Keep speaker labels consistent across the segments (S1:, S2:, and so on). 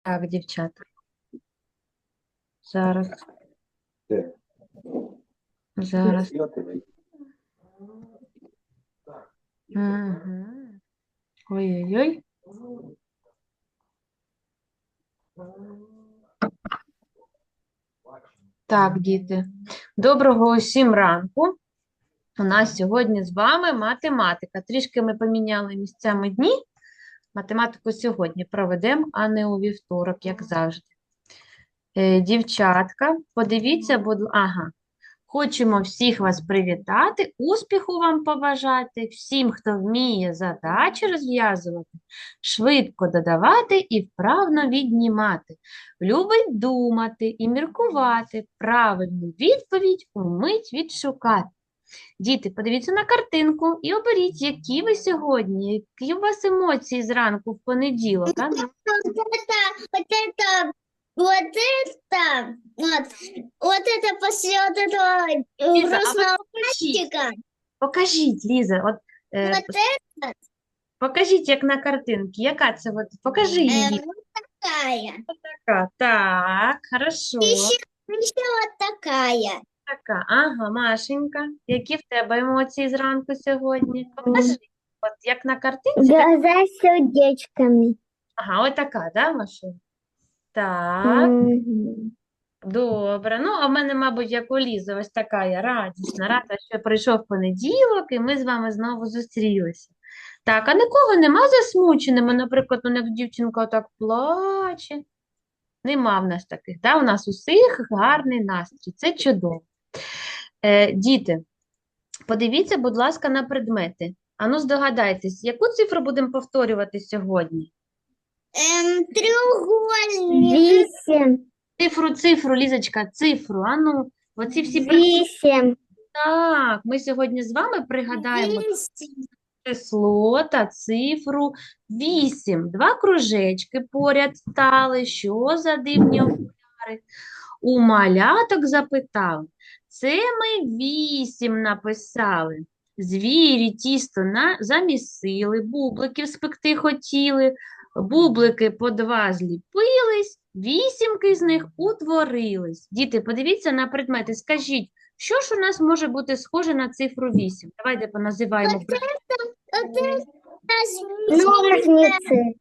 S1: Так, дівчата. Зараз,
S2: Де?
S1: зараз.
S2: Я тебе.
S1: Угу. Ой-ой-ой. Так, діти. Доброго усім ранку. У нас сьогодні з вами математика. Трішки ми поміняли місцями дні. Математику сьогодні проведемо, а не у вівторок, як завжди. Дівчатка, подивіться, ага. Хочемо всіх вас привітати, успіху вам побажати, всім, хто вміє задачі розв'язувати, швидко додавати і вправно віднімати, любить думати і міркувати, правильну відповідь умить відшукати. Діти, подивіться на картинку і оберіть, які ви сьогодні, які у вас емоції зранку в понеділок. А? Ну,
S3: вот это после вот этого
S1: Ліза, а
S3: грустного
S1: ви покажіть,
S3: мальчика,
S1: покажіть, Ліза, от,
S3: вот это
S1: покажіть, як на картинці, яка це, от, покажи її.
S3: вот такая,
S1: Така, так, хорошо,
S3: еще вот такая.
S1: така, ага, Машенька, які в тебе емоції зранку сьогодні? Покажи, от як на картинці, так,
S3: Глаза с сердечками.
S1: ага, ось така, да, Машенька? Так, добре, ну, а в мене, мабуть, як у Лізи, ось така я радісна, рада, що прийшов понеділок, і ми з вами знову зустрілися. Так, а нікого нема засмученими, наприклад, як дівчинка так плаче. Нема в нас таких, да? У нас усіх гарний настрій, це чудово. Діти, подивіться, будь ласка, на предмети. Ану, здогадайтесь, яку цифру будемо повторювати сьогодні?
S3: Треугольник. 8.
S1: Цифру, Лізочка, цифру. Ану, оці всі приклади.
S3: 8.
S1: Так, ми сьогодні з вами пригадаємо
S3: 8.
S1: число та цифру 8. Два кружечки поряд стали. Що за дивні окуляри? У маляток запитали. Це ми 8 написали. Звірі тісто замісили, бубликів спекти хотіли, бублики по 2 зліпились, 8 з них утворились. Діти, подивіться на предмети, скажіть, що ж у нас може бути схоже на цифру 8? Давайте поназиваємо.
S3: Вот это ножницы.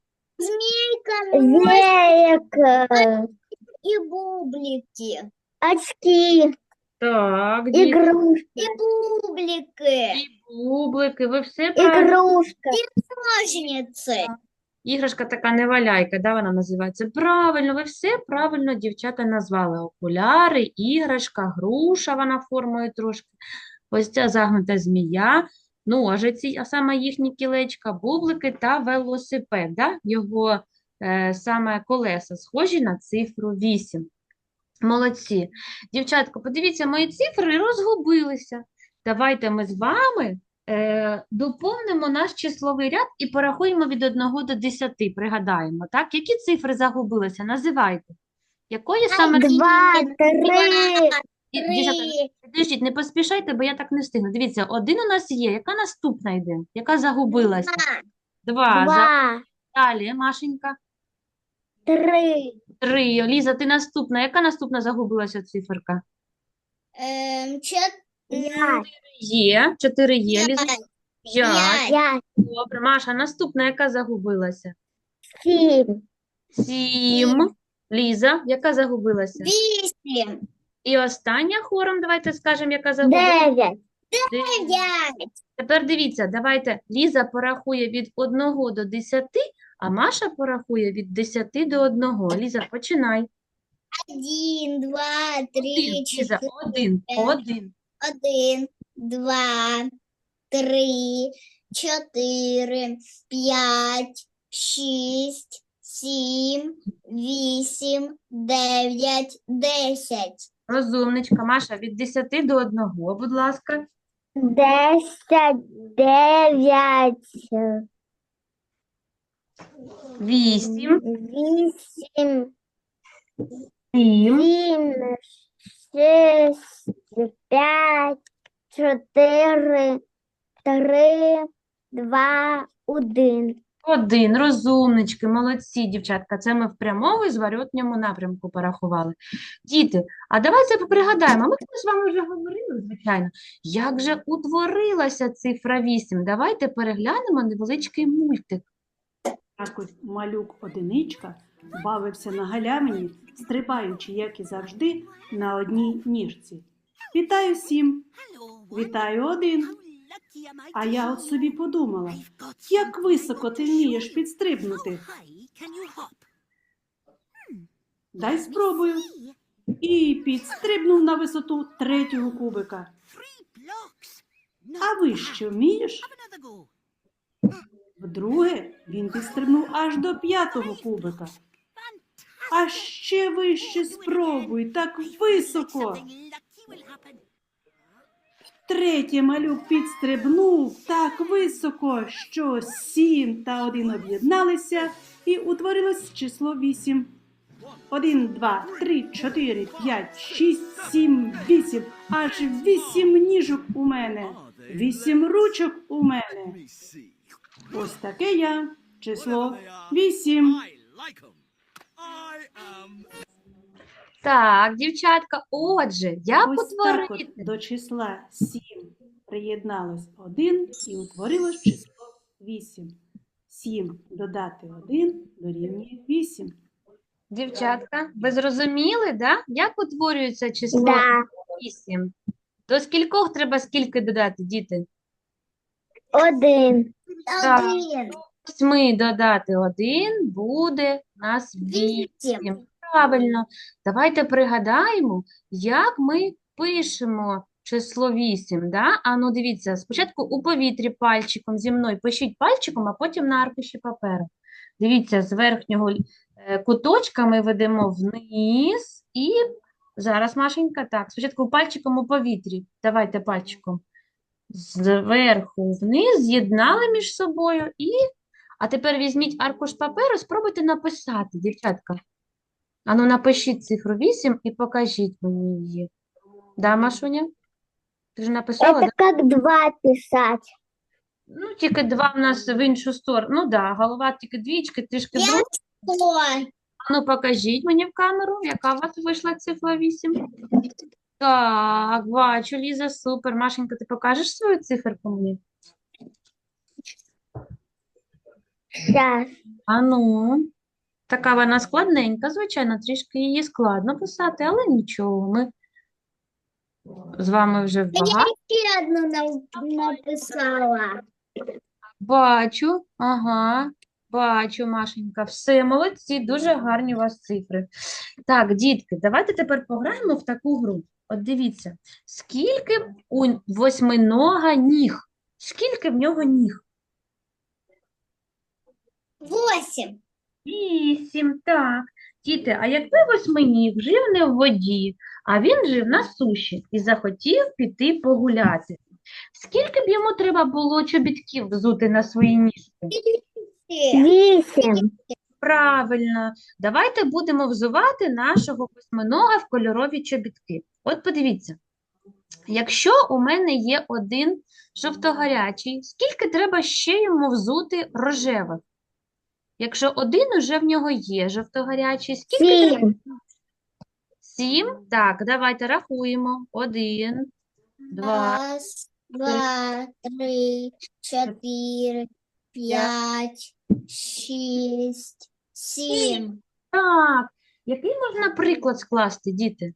S3: Змейка. И бублики. Очки.
S1: Так, діти,
S3: Игрушки. И бублики.
S1: і бублики, ви все правильно.
S3: Игрушка. Ножницы.
S1: Іграшка така неваляйка, да, вона називається. Правильно, ви все правильно, дівчата, назвали. Окуляри, іграшка, груша, вона формою трошки. Ось ця загнута змія, ножиці, а саме їхні кілечка, бублики та велосипед. Да? Його саме колеса схожі на цифру 8. Молодці. Дівчатко, подивіться, мої цифри розгубилися. Давайте ми з вами доповнимо наш числовий ряд і порахуємо від 1 до 10, пригадаємо, так? Які цифри загубилися? Називайте. Якої саме...
S3: 2, 3.
S1: Дівчата, підождіть, не поспішайте, бо я так не встигну. Дивіться, 1 у нас є. Яка наступна йде? Яка загубилася? 2.
S3: 2,
S1: Далі, Машенька.
S3: 3.
S1: 3. Ліза, ти наступна. Яка наступна загубилася циферка?
S3: 4.
S1: Є. 4 є, Ліза. 5.
S3: 5.
S1: Добре. Маша, наступна, яка загубилася?
S3: 7.
S1: 7. Ліза, яка загубилася?
S3: 8.
S1: І остання хором, давайте скажемо, яка загубилася.
S3: 9.
S1: 9.
S3: 5.
S1: Тепер дивіться, давайте Ліза порахує від 1 до 10, а Маша порахує від 10 до 1. Ліза, починай.
S3: 1, 2, 3,
S1: Ліза,
S3: 4.
S1: 1. 1.
S3: 1, 2, 3, 4, 5, 6, 7, 8, 9, 10.
S1: Розумничка. Маша, від 10 до 1, будь ласка.
S3: 10, 9,
S1: 8,
S3: 8,
S1: 7,
S3: 7, 6, 5, 4, 3, 2, 1.
S1: Один, розумнички, молодці, дівчатка. Це ми в прямому і зворотньому напрямку порахували. Діти, а давайте пригадаємо, ми з вами вже говорили, звичайно, як же утворилася цифра 8. Давайте переглянемо невеличкий мультик.
S2: Якось малюк одиничка бавився на галявині, стрибаючи, як і завжди, на одній ніжці. Вітаю всім! Вітаю один! А я от собі подумала, як високо ти вмієш підстрибнути. Дай спробую. І підстрибнув на висоту третього кубика. А ви що вмієш? Вдруге він підстрибнув аж до п'ятого кубика. А ще вище спробуй, так високо. Втретє малюк підстрибнув так високо, що 7 та 1 об'єдналися і утворилось число 8. 1, 2, 3, 4, 5, 6, 7, 8. Аж 8 ніжок у мене. 8 ручок у мене. Ось таке я. Число 8.
S1: Так, дівчатка, отже, як
S2: Ось так от
S1: утворити?
S2: до числа 7 приєдналось 1 і утворилось число 8. 7 додати 1 дорівнює 8.
S1: Дівчатка, ви зрозуміли, да? Як утворюється число
S3: Да.
S1: 8? До скількох треба скільки додати, діти?
S3: 1.
S1: Так.
S3: 1.
S1: 8 додати 1 буде у нас 8. Правильно. Давайте пригадаємо, як ми пишемо число 8. Да? А ну дивіться, спочатку у повітрі пальчиком зі мною пишіть пальчиком, а потім на аркуші паперу. Дивіться, з верхнього куточка ми ведемо вниз і зараз, Машенька, так, спочатку пальчиком у повітрі. Давайте пальчиком. Зверху вниз, з'єднали між собою і... А тепер візьміть аркуш паперу, спробуйте написати, дівчатка. Ану, напишіть цифру 8 і покажіть мені її. Да, Машуня? Ти ж написала,
S3: Это
S1: да?
S3: как 2 писать.
S1: Ну, тільки 2 в нас в іншу сторону. Ну, да, голова тільки двічки, трішки в другу. Ану, покажіть мені в камеру, яка у вас вийшла цифра 8. Так, бачу, Ліза, супер. Машенька, ти покажеш свою циферку мені?
S3: Сейчас.
S1: Ану. Така вона складненька, звичайно, трішки її складно писати, але нічого, ми з вами вже багато.
S3: Еще одну написала.
S1: Бачу, ага, бачу, Машенька, все, молодці, дуже гарні у вас цифри. Так, дітки, давайте тепер пограємо в таку гру. От дивіться, скільки у восьминога ніг? Скільки в нього ніг?
S3: 8.
S1: 8, так. Діти, а якби восьминіг жив не в воді, а він жив на суші і захотів піти погуляти, скільки б йому треба було чобітків взути на свої ніжки?
S3: 8.
S1: Правильно. Давайте будемо взувати нашого восьминога в кольорові чобітки. От подивіться, якщо у мене є один жовтогарячий, скільки треба ще йому взути рожевих? Якщо один уже в нього є жовтогарячий, скільки треба?
S3: 7.
S1: 7? Так, давайте рахуємо. 1, 2,
S3: Раз, два, три, 4, 5, 6, 7.
S1: так. Який можна приклад скласти, діти?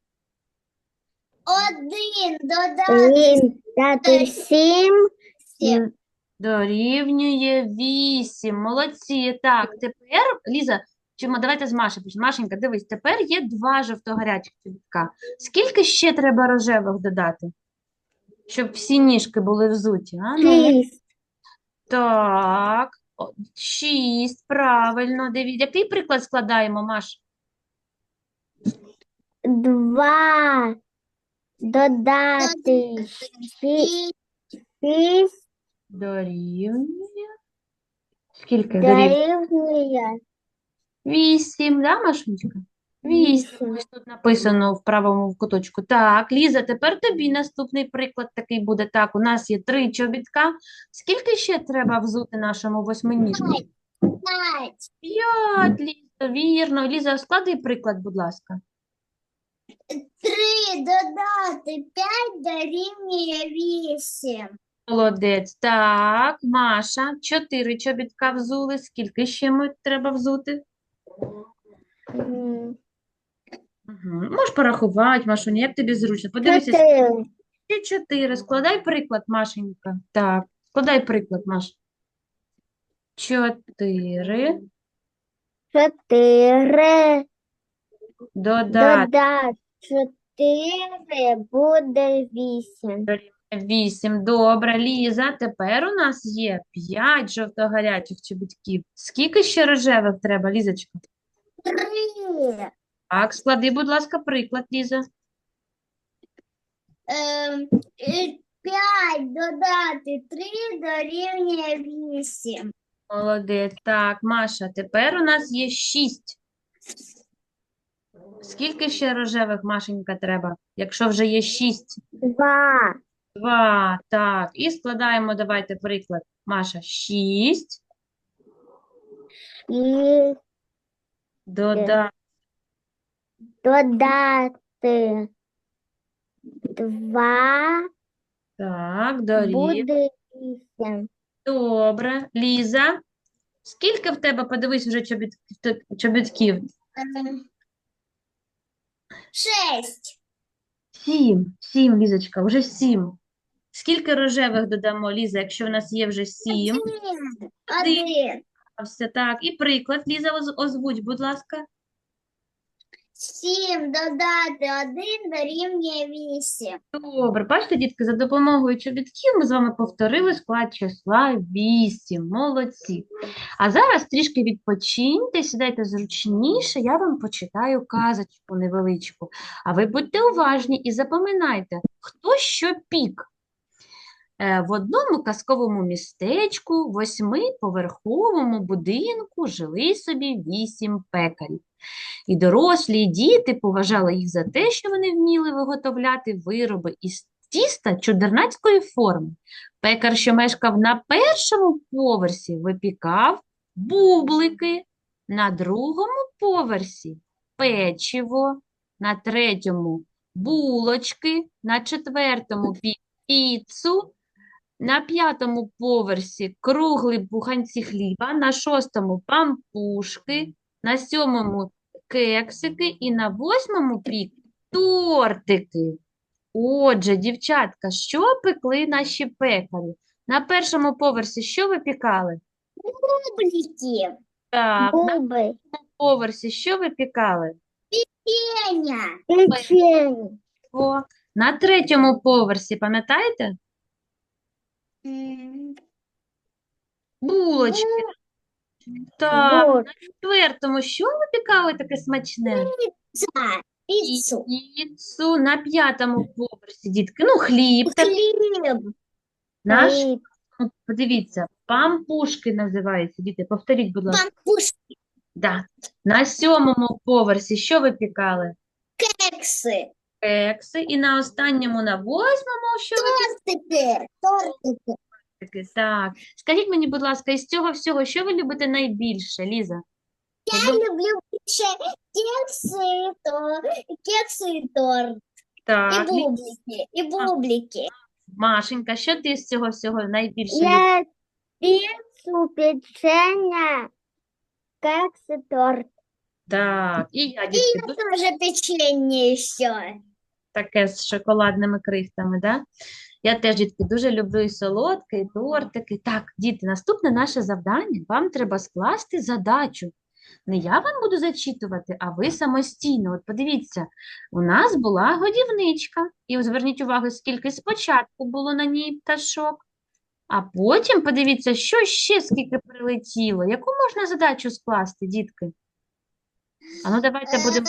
S3: 1 додати 7.
S1: Дорівнює 8. Молодці. Так, тепер, Ліза, давайте з Машею почнемо. Машенька, дивись, тепер є 2 жовтогарячих чобітка. Скільки ще треба рожевих додати, щоб всі ніжки були взуті? А? Ну,
S3: 6.
S1: так, 6, правильно. Який приклад складаємо, Маш?
S3: 2 додати 6
S1: Дорівнює. Скільки?
S3: дорівнює
S1: 8, да, Машунечка? 8. Ось тут написано в правому куточку. Так, Ліза, тепер тобі наступний приклад такий буде. Так, у нас є 3 чобітка. Скільки ще треба взути нашому восьминіжку?
S3: 5.
S1: 5, Ліза, вірно. Ліза, склади приклад, будь ласка.
S3: 3 додати 5 дорівнює 8.
S1: Молодець. Так, Маша, 4 чобітка взули. Скільки ще ми треба взути? Можеш порахувати, Машуня, як тобі зручно. Подивися,
S3: 4.
S1: ще 4. Складай приклад, Машенька. Так, складай приклад, Маш. 4
S3: 4
S1: додати
S3: додати 4 буде 8.
S1: 8. Добре, Ліза, тепер у нас є 5 жовто-гарячих чобітків. Скільки ще рожевих треба, Лізочка?
S3: 3.
S1: Так, склади, будь ласка, приклад, Ліза.
S3: 5 додати 3 дорівнює 8.
S1: Молодець. Так, Маша, тепер у нас є 6. Скільки ще рожевих, Машенька, треба, якщо вже є 6?
S3: 2.
S1: 2. Так, і складаємо, давайте приклад. Маша, 6
S3: І
S1: додати.
S3: додати 2
S1: Так, дорівнює.
S3: буде 8.
S1: Добре. Ліза, скільки в тебе, подивись, вже чобітків?
S3: 6.
S1: 7. 7, Лізочка, вже 7. Скільки рожевих додамо, Ліза, якщо в нас є вже 7?
S3: 1.
S1: Все так. І приклад, Ліза, озвуть, будь ласка.
S3: 7 додати 1 дорівнює 8.
S1: Добре, бачите, дітки, за допомогою чобітків ми з вами повторили склад числа 8. Молодці. А зараз трішки відпочиньте, сідайте зручніше, я вам почитаю казочку невеличку. А ви будьте уважні і запам'ятайте, хто що пік. В одному казковому містечку, 8-поверховому будинку жили собі 8 пекарів. І дорослі, і діти поважали їх за те, що вони вміли виготовляти вироби із тіста чудернацької форми. Пекар, що мешкав на першому поверсі, випікав бублики, на другому поверсі печиво, на третьому булочки, на четвертому піцу, на п'ятому поверсі круглі буханці хліба, на шостому пампушки, на сьомому кексики і на восьмому тортики. Отже, дівчатка, що пекли наші пекарі? На першому поверсі що випікали?
S3: Бублики.
S1: Так, на
S3: Буби.
S1: поверсі що випікали?
S3: Пеня. Печення.
S1: О, на третьому поверсі, пам'ятаєте? Булочки. Так,
S3: Вот.
S1: на четвертому що випікали таке смачне?
S3: Пиццу.
S1: Піцу. На п'ятому поверсі, дітки. Ну, хліб.
S3: Хліб.
S1: Наш,
S3: Хліб.
S1: подивіться, пампушки називаються, діти. Повторіть, будь ласка.
S3: Пампушки.
S1: Да. На сьомому поверсі що випікали?
S3: Кекси.
S1: Кекси. І на останньому, на восьмому, що
S3: Тортики. Тортики.
S1: випікали? Так. Скажіть мені, будь ласка, із цього всього, що ви любите найбільше, Ліза?
S3: Я люблю більше кекси і торт.
S1: Так,
S3: І бублики. І бублики.
S1: Машенька, що ти з цього всього найбільше любиш?
S3: Я піцу, печення, кекси, торт.
S1: Так, і я,
S3: І
S1: дітки,
S3: я тоже печенье ще.
S1: таке з шоколадними крихтами, да? Я теж, дітки, дуже люблю і солодке, і тортики. Так, діти, наступне наше завдання. Вам треба скласти задачу. Не я вам буду зачитувати, а ви самостійно. От подивіться, у нас була годівничка. І от зверніть увагу, скільки спочатку було на ній пташок. А потім подивіться, що ще скільки прилетіло. Яку можна задачу скласти, дітки? А ну давайте будемо.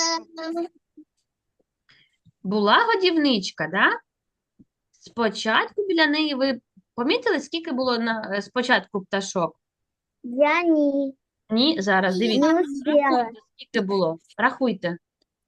S1: Була годівничка, да? Спочатку біля неї ви помітили, скільки було спочатку пташок?
S3: Я ні.
S1: Ні, зараз дивіться.
S3: Не успіла.
S1: Рахуйте, скільки було. Рахуйте.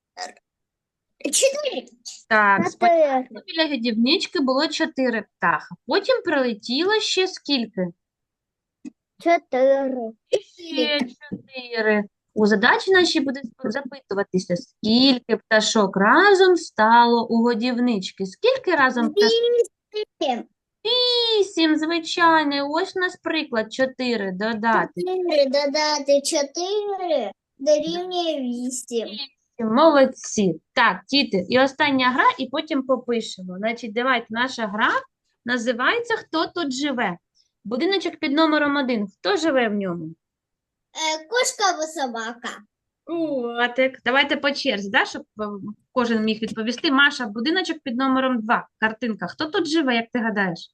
S3: 4.
S1: Так, спочатку
S3: 4.
S1: біля годівнички було 4 птаха. Потім прилетіло ще скільки?
S3: 4.
S1: Ще 4. У задачі нашій буде запитуватися, скільки пташок разом стало у годівнички. Скільки разом пташок?
S3: 8.
S1: 8, звичайно. І ось у нас приклад 4 додати.
S3: 4 додати 4 дорівнює 8.
S1: Молодці. Так, діти, і остання гра, і потім попишемо. Значить, давайте, наша гра називається «Хто тут живе?». Будиночок під номером 1. Хто живе в ньому?
S3: Кошка або собака.
S1: Котик. Давайте по черзі, да, щоб кожен міг відповісти. Маша, будиночок під номером 2. Картинка. Хто тут живе, як ти гадаєш?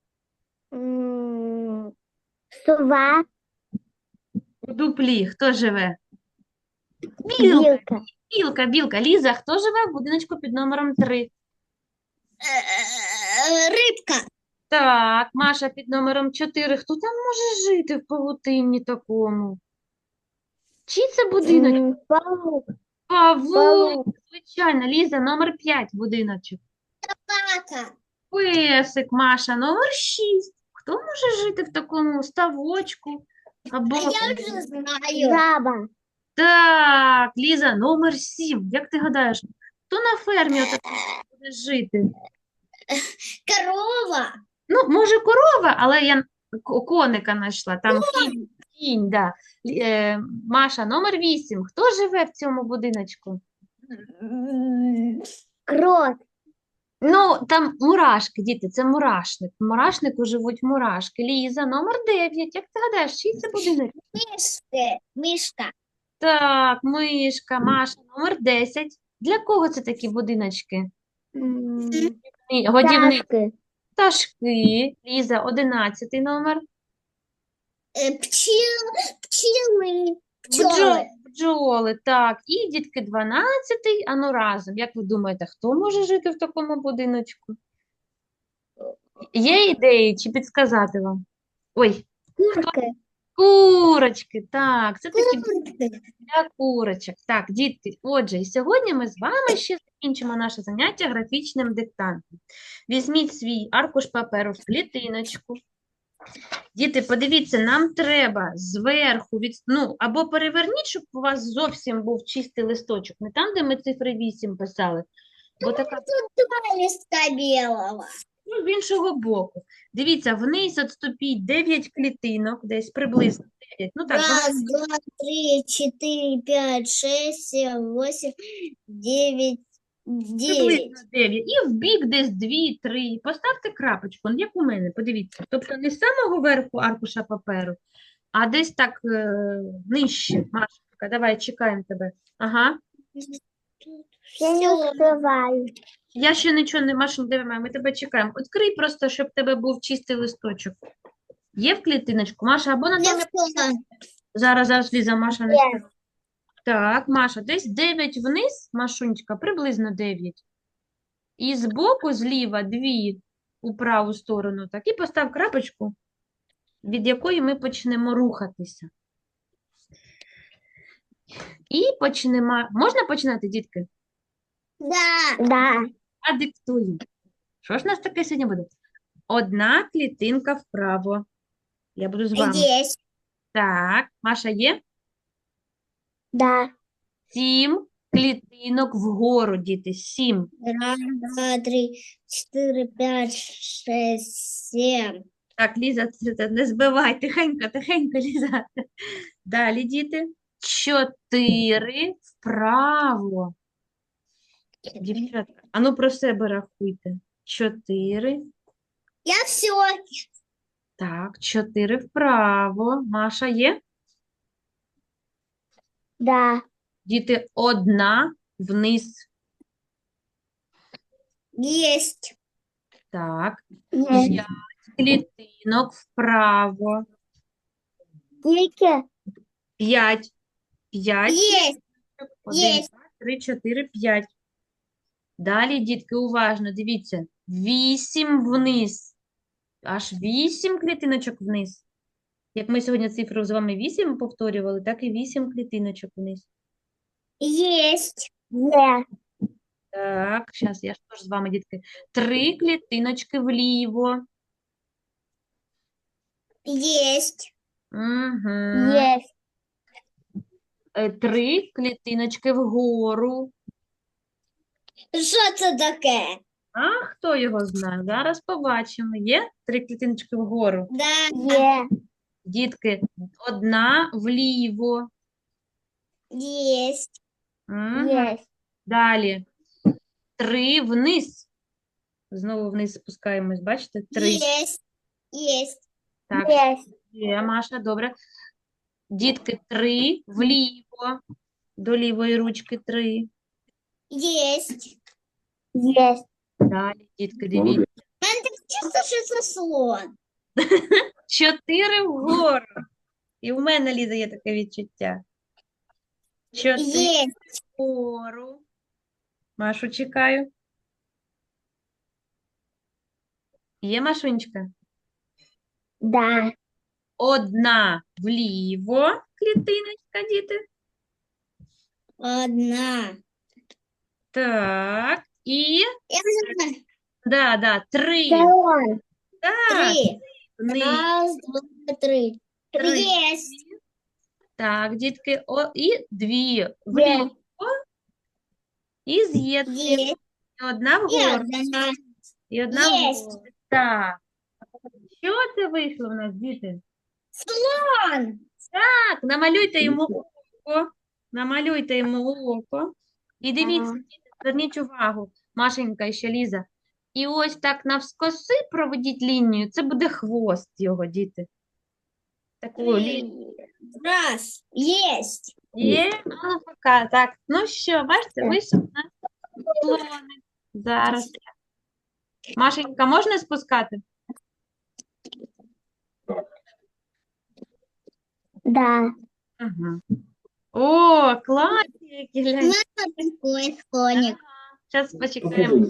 S3: Сова.
S1: У дуплі. Хто живе? Білка.
S3: Білка.
S1: Білка. Ліза, хто живе в будиночку під номером 3?
S3: Рибка.
S1: Так, Маша під номером 4. Хто там може жити в павутинні такому? Чий це будиночок?
S3: Паук.
S1: Павук, звичайно. Ліза, номер 5 будиночок.
S3: Собака.
S1: Песик, Маша, номер 6. Хто може жити в такому ставочку? Або...
S3: Я вже знаю. Жаба.
S1: Так, Ліза, номер 7. Як ти гадаєш, хто на фермі отакому буде жити?
S3: Корова.
S1: Ну, може, корова, але я коника знайшла. Там кінь, да. Маша, номер 8. Хто живе в цьому будиночку?
S3: Крот.
S1: Ну, там мурашки, діти, це мурашник. В мурашнику живуть мурашки. Ліза, номер 9. Як ти гадаєш, чий це будинок?
S3: Мишка.
S1: Так, мишка. Маша, номер 10. Для кого це такі будиночки? Годівник. Пташки. Ліза, 11 номер.
S3: Пчели.
S1: Бджоли, так. І дітки 12-й, а ну разом. Як ви думаєте, хто може жити в такому будиночку? Є ідеї чи підсказати вам? Ой,
S3: Курка.
S1: курочки, так, це такі для курочок. Так, дітки, отже, і сьогодні ми з вами ще закінчимо наше заняття графічним диктантом. Візьміть свій аркуш паперу в клітиночку. Діти, подивіться, нам треба зверху, або переверніть, щоб у вас зовсім був чистий листочок, не там, де ми цифри 8 писали, бо така,
S3: Тут 2 листка белого.
S1: з іншого боку. Дивіться, вниз відступіть 9 клітинок, десь приблизно 9, ну так,
S3: Раз, два, три, 4, 5, 6, 7, 8, 9, 9.
S1: приблизно 9. І в бік десь 2, 3. Поставте крапочку, як у мене, подивіться. Тобто не з самого верху аркуша паперу, а десь так нижче. Машенька, давай, чекаємо тебе. Ага.
S3: Я не успеваю.
S1: Я ще нічого не, Машенька, давай, ми тебе чекаємо. Відкрий просто, щоб в тебе був чистий листочок. Є в клітиночку? Маша, або на тому... Зараз, Ліза, Маша не
S3: Є.
S1: скаже. Так, Маша, десь 9 вниз, Машунечка, приблизно 9. І збоку, зліва, 2 у праву сторону. Так, і постав крапочку, від якої ми почнемо рухатися. І почнемо. Можна починати, дітки?
S3: Да.
S1: А диктую. Що ж у нас таке сьогодні буде? Одна клітинка вправо. Я буду з вами.
S3: Есть.
S1: Так, Маша є?
S3: Да.
S1: 7 клітинок вгору, діти. 7.
S3: Раз, два, три, 4, 5, 6, 7.
S1: Так, Ліза, це не збивай. Тихенько, тихенько, Ліза. Далі, діти. 4 вправо. Дівчатка, а ну про себе рахуйте. 4.
S3: Я все.
S1: Так, 4 вправо. Маша є?
S3: Да.
S1: Діти, 1 вниз.
S3: Есть.
S1: Так,
S3: Есть.
S1: 5 клітинок вправо.
S3: Сколько?
S1: 5. 5.
S3: Есть.
S1: 1,
S3: Есть.
S1: 2, 3, 4, 5. Далі, дітки, уважно, дивіться. 8 вниз. Аж 8 клітиночок вниз. Як ми сьогодні цифру з вами 8 повторювали, так і 8 клітиночок вниз.
S3: Есть. Нет.
S1: Так, зараз я ж теж з вами, дітки. 3 клітиночки вліво.
S3: Есть.
S1: Угу.
S3: Есть.
S1: 3 клітиночки вгору.
S3: Що це таке?
S1: А хто його знає? Зараз побачимо. Є 3 клітиночки вгору.
S3: Да. Є.
S1: Дітки, одна вліво.
S3: Есть.
S1: Угу.
S3: Есть.
S1: Далі. 3 вниз. Знову вниз спускаємось, бачите? 3.
S3: Есть. Есть.
S1: Так,
S3: Есть.
S1: є, Маша, добре. Дітки, 3 вліво. До лівої ручки 3.
S3: Есть.
S2: Есть.
S1: Далі, дітки, дивіться.
S3: Мене так чисто, що це слон.
S1: 4 вгору. І в мене, Ліза, є таке відчуття. 4
S3: Есть.
S1: вгору. Машу чекаю. Є, Машунечка?
S3: Да.
S1: Одна вліво клітиночка, діти.
S3: Одна.
S1: Так. І,
S3: Я знаю.
S1: да, 3.
S3: Слон.
S1: Так,
S3: 3.
S1: вниз.
S3: Раз, два, три.
S1: 3.
S3: Есть.
S1: Так, дітки, і 2 вліво. І з'єднуємо.
S3: Есть.
S1: І одна
S3: И
S1: вгору.
S3: одна.
S1: І одна
S3: Єсть.
S1: вгору. Так. Що це вийшло в нас, діти?
S3: Слон.
S1: Так, намалюйте йому око. Намалюйте йому око. І дивіться,
S3: Ага.
S1: діти, зверніть увагу, Машенька і ще Ліза. І ось так навскоси проведіть лінію. Це буде хвост його, діти. Таку лінію.
S3: Раз. Есть.
S1: Є, а ну пока. Так, ну що, бачите, вийшов у нас слоник. Зараз. Машенька, можна спускати?
S3: Да.
S1: Ага. О, класні, які глянь.
S3: Такой слоник.
S1: Зараз почекаємо.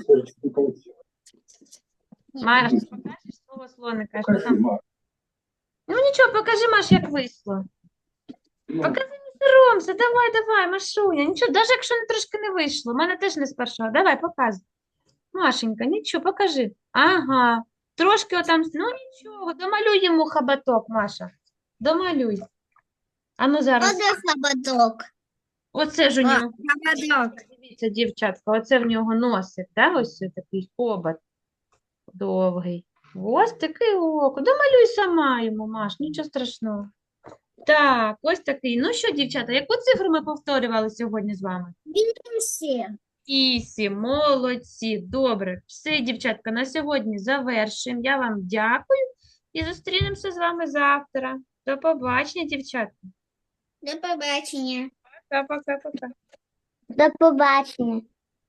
S1: Маш, покажеш слово слоника? Що там? Ну нічого, покажи, Маш, як вийшло. Покажи, не соромся, давай, Машуня. Нічого, навіть якщо трошки не вийшло, в мене теж не з першого. Давай, показуй. Машенька, нічого, покажи. Ага, трошки отам, ну нічого, домалюй йому хабаток, Маша. Домалюй. А ну зараз,
S3: Вот хоботок.
S1: оце ж у нього,
S3: Хоботок.
S1: дивіться, дівчатка, оце в нього носик, да? Ось такий хобот довгий. Ось такий око. Домалюй сама йому, Маш, нічого страшного. Так, ось такий. Ну що, дівчата, яку цифру ми повторювали сьогодні з вами?
S3: 8.
S1: 8. Молодці. Добре. Все, дівчатка, на сьогодні завершуємо. Я вам дякую і зустрінемося з вами завтра. До побачення, дівчатка.
S3: До побачення.
S1: Пока-пока-пока.
S3: До побачення.